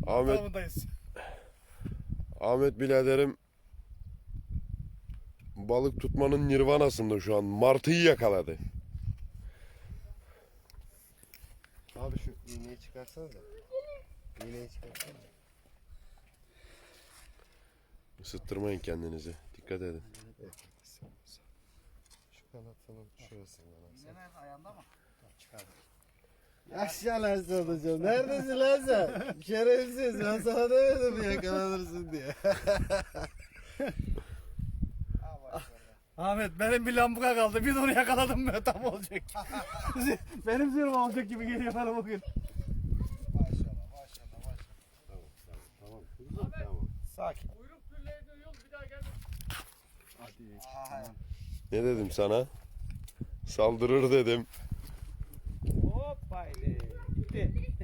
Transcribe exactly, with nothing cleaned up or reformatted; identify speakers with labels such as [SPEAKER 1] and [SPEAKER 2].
[SPEAKER 1] Ahmet,
[SPEAKER 2] Tamamındayız.
[SPEAKER 1] Ahmet biraderim balık tutmanın nirvanasında şu an. Martıyı yakaladı.
[SPEAKER 3] Abi şu iğneyi çıkarsana da. İğneyi çıkarsana da.
[SPEAKER 1] Isıttırmayın kendinizi. Dikkat edin.
[SPEAKER 3] Evet. Şu kanatının şurasından alsana.
[SPEAKER 2] Nerede ayağında mı?
[SPEAKER 3] Çıkardım. Yaşa lan hocam. Neredesin lan sen? Şerefsiz. Ben sana demedim mi yakalanırsın diye.
[SPEAKER 2] Ahmet benim bir lambuka kaldı. Bir de onu yakaladım mı tam olacak. Benim zırhım olacak gibi geliyor bana bugün.
[SPEAKER 3] Maşallah maşallah maşallah. Tamam tamam tamam. Tamam.
[SPEAKER 2] Sakin.
[SPEAKER 4] Kuyruk pürleğe dönüyor bir daha gelme.
[SPEAKER 2] Hadi.
[SPEAKER 3] Tamam.
[SPEAKER 1] Ne dedim sana? Saldırır dedim.
[SPEAKER 2] Hop haydi. Gitti.